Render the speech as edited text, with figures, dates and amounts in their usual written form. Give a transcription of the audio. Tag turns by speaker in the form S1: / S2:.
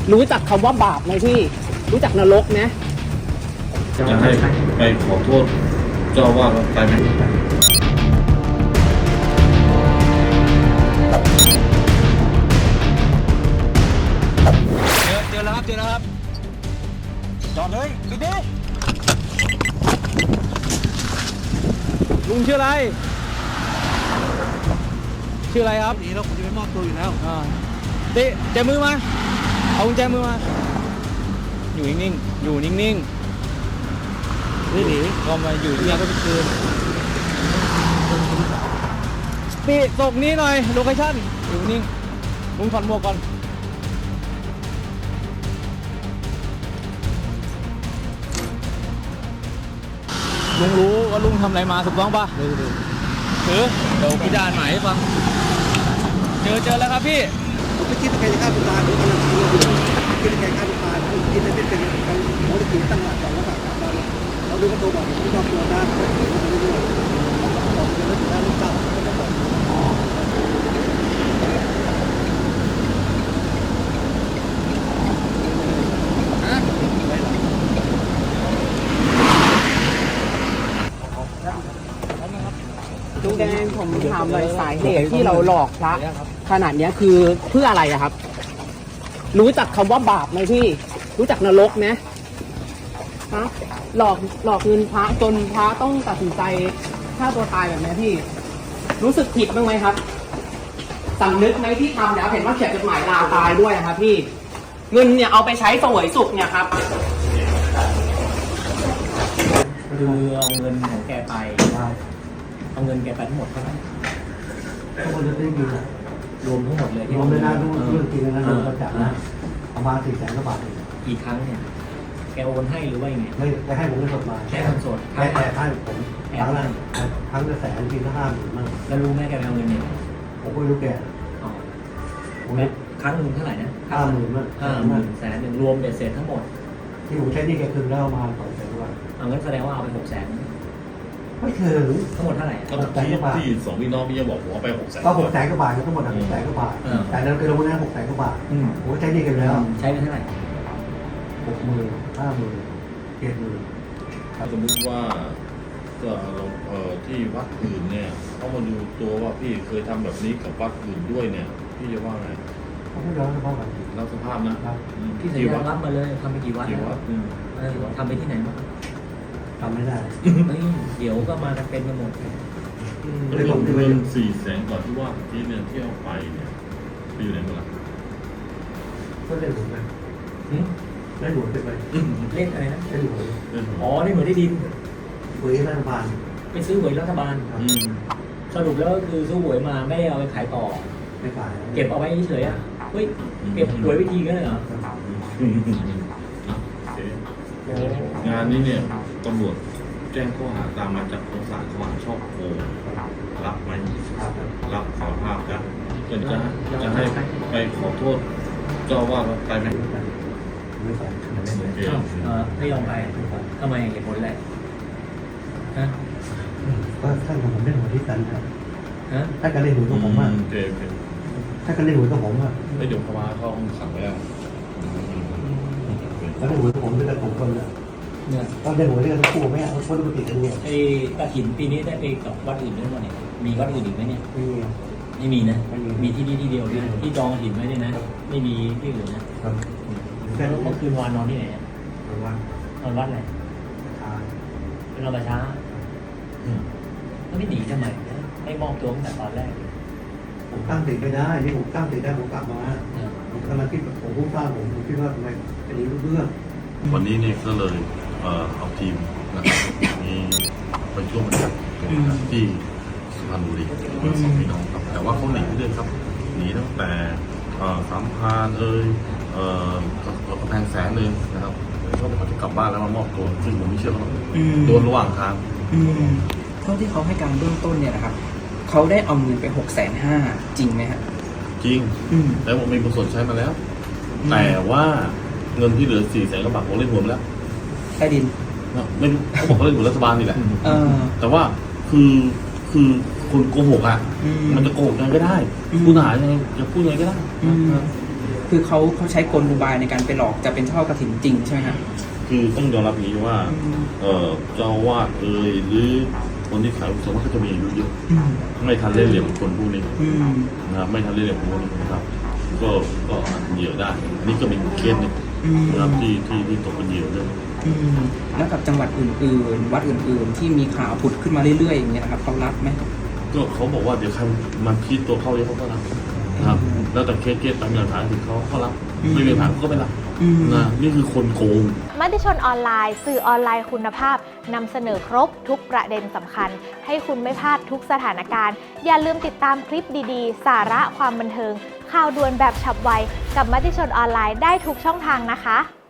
S1: รู้จักคำว่าบาปไหมพี่รู้จักนรกไหม
S2: จะให้ไปขอโทษเจ้าว่าไปไหม
S3: เจอแล้วครับจอดเลยปิดดิลุงชื่ออะไรครับนี่แล้วผมจะไปมอบตัวอยู่แล้วเตะแจมือมาเอากุญแจมือมาอยู่นิ่งๆนี่หนีก็มาอยู่ที่นี่ก็ไปคืนปีตกนี้หน่อยโลเคชั่นอยู่นิ่งลุงถอดหมวกก่อนลุงรู้ว่าลุงทำอะไรมาถูกต้องป่ะเดี๋ยวพี่จะอ่านหมายให้ฟังเจอแล้วครับพี่
S4: ผมไม่คิดว่าใครจะฆ่าตัวตายผมกำลังคิดว่าคิดว่าใครฆ่าตัวตายผมคิดว่าเป็นการโมดิฟิตั้งหลักก่อนแล้วแบบเราดูกระตัวบอกผมไม่ชอบตัวนะผมไม่รู้ผมจะไม่ถึงได้ลูกเต้าไม่ได้บอก
S1: ลุงแดงผมถามเลยสาเหตุที่เราหลอกพระขนาดนี้คือเพื่ออะไรอะครับรู้จักคำว่าบาปไหมพี่รู้จักนรกไหมฮะหลอกเงินพระจนพระต้องตัดสินใจฆ่าตัวตายแบบนี้พี่รู้สึกผิดบ้างไหมครับสำนึกไหมที่ทำแล้วเห็นว่าเขียนจดหมายลาตายด้วยนะครับพี่เงินเนี่ยเอาไปใช้เสวยสุขเนี่ยครับ
S3: คือเอาเงินของแกไปเอาเงินแกไปทั้งหมดเท่าไหร่
S4: ทุกคนจะได้ยิน
S3: รวมทั้งหมดเลย
S4: รวมไม่ได้รู้เรื่องจริงนะเราจับนะประมาณ400,000 กว่าบาท
S3: กี่ครั้งเนี่ยแกโอนให้หรือว่ายังไง
S4: ไม่จะให้ผมเงินสดมา
S3: แค่เงินสด
S4: แต่ให้ผมครั้งละ100,000ทีละ50,000มั่ง
S3: แล้วรู้ไหมแกไปเอาเงินเนี่ย
S4: ผมก็ไม่รู้แก
S3: ครั้งหนึ่งเท่าไหร่นะ
S4: 50,000มั่ง
S3: 100,000รวมเบ็ดเสร็จทั้งหมด
S4: ที่ผมใช้นี่แกคืนแล้วมา200,000 กว่า
S3: เอางั้นแสดงว่าเอาไป600,000
S4: ไม่ถึง
S3: ทั้งหมดเท่าไหร่
S2: ก็ที่สองพี่น้องพี่จะบอกว่าไป600,000
S4: ก็600,000 กว่าบาททั้งหมด600,000 กว่าบาทแต่นั้นคือเราไม่ได้600,000 กว่าบาทผมใช้นี่กันแล้ว
S3: ใช้ไปเท่าไหร่
S4: 60,000 50,000 70,000
S2: สมมติว่าก็ที่วัดอื่นเนี่ยเขามาดูตัวว่าพี่เคยทำแบบนี้กับวัดอื่นด้วยเนี่ยพี่จะว่าไง
S4: เขาไม่รับสภาพกัน
S2: รับสภาพนะ
S3: ที่สัญญารับมาเลยทำไปกี่วัดทำไปที่ไหนบ้าง
S4: ทำไม่ได้
S3: เดี๋ยวก็มากันเป็นกันหมด
S2: เงิน400,000ก่อนที่ว่าที่เนี่ยที่เอาไปเนี่ยไปอยู่ไหนหมดล่ะ
S4: ก็เล่นหวยไปเล่นหวยไป
S3: เล่นอะไรนะ
S4: เล่นหวย
S3: อ๋อเล่นหวยได้ดิน
S4: หวยรัฐบาล
S3: ไปซื้อหวยรัฐบาลสรุปแล้วคือซื้อหวยมาไม่ได้เอาไปขายต่อ
S4: ไม่ขาย
S3: เก็บเอาไว้เฉยๆอ่ะเฮ้ยเก็บหวยวิธีกันเลยเหร
S2: องานนี้เนี่ยตำรวจแจ้งข้อหาตามมาจากของศาลข้อหาช่อโกงรับไหมรับสารภาพกันจะให้ไปขอโทษเจ้าว่าไปไหม
S4: ไม่ไป
S3: ไม่ยอมไปทำไมเหตุผลอะไรฮะ
S4: ก็ท่านผมเล่นหัวที่สันครับถ้าการเล่นหัวตัวผมว่าถ้าการเล่นหัวตัวผมว่า
S2: เดี๋ยวพม่าเขาขังไว้แล้ว
S4: ถ้าเล่นหัวตัวผมด้วยกันผมคนเนี่ยก็เล่นหัวเรื่องคู่ไม่เอาคนปกติกันเนี่ย
S3: ไอ้กฐินปีนี้ได้ไปกับวัดอื่นด้วยมั้ยเนี่ยมีวัดอื่นอีกไหมเนี่ยไม่มีนะมีที่นี่ที่เดียวที่จองกฐินไว้เนี่ยนะไม่มีที่อื่นนะแต่เมื่อคืนวานนอนที่ไหนนอนวัดอะไรเป็นนอนประช้าไม่หนีทำไมไม่มอบตัวตั้งแต่ตอนแรก
S4: ผมตั้งติดไม่ได้นี่ผมตั้งติดได้ผมกลับมาผมกำลังคิดผมพูดสร้างผมคิดว่าทำไมจะรู้เรื่อง
S2: วันนี้เนี่ยก็เลยเอาทีมนะครับมีไปช่วงบรรยากาศที่สุพรรณบุรีสองพี่น้องครับแต่ว่าเขาหนีเรื่อยครับหนีตั้งแต่สามพานกำแพงแสนเลยนะครับเขาจะกลับบ้านแล้วมามอบตัวซึ่งผมไม่เชื่อเขาโดนระหว่างทาง
S1: เท่าที่เขาให้การเบื้องต้นเนี่ยนะครับเขาได้เอาเงินไป650,000จริงไหมครับ
S2: จริงแล้วผมมีบทสนใช้มาแล้วแต่ว่าเงินที่เหลือ400,000 กว่าบาทผมเล่นหวยแล้ว
S1: ใต้ดิน
S2: ไม่รู้เขาบอกเขาเล่นหวยรัฐบาลนี่แหละแต่ว่าคือคนโกหกอ่ะมันจะโกหกยังไงก็ได้ผู้หายังไงจะพูดยังไงก็ได้
S1: คือ
S5: คือเขาใช้กลอุบายในการไปหลอกจะเป็นทอดกฐินจริงใช่ไหมครับ
S2: คือต้องยอมรับอย่างนี้ว่าเจ้าอาวาสหรือคนที่ขายสมมติเขาจะมีอายุเยอะไม่ทันเล่นเหลี่ยมคนพวกนี้นะครับไม่ทันเล่นเหลี่ยมคนพวกนี้นะครับก็เหยื่อได้ อันนี้ก็เป็นเคสหนึงนะครับที่ตกเป็นเหยื่อเรื่อง
S5: แล้วกับจังหวัดอื่นๆ วัดอื่นๆ ที่มีข่าวผุดขึ้นมาเรื่อยๆอย่างเงี้ยนะครับเขารับไหม
S2: ก็เขาบอกว่าเดี๋ยวใครมันพิจตัวเข้าเยอะเขาก็รับนะครับแล้วแต่เคสตามหลักฐานถึงเขารับไม่มีหลักฐานก็ไม่รับนะนี่คือคนโกง
S6: มติชนออนไลน์สื่อออนไลน์คุณภาพนำเสนอครบทุกประเด็นสำคัญให้คุณไม่พลาดทุกสถานการณ์อย่าลืมติดตามคลิปดีๆ สาระความบันเทิงข่าวด่วนแบบฉับไวกับมติชนออนไลน์ได้ทุกช่องทางนะคะ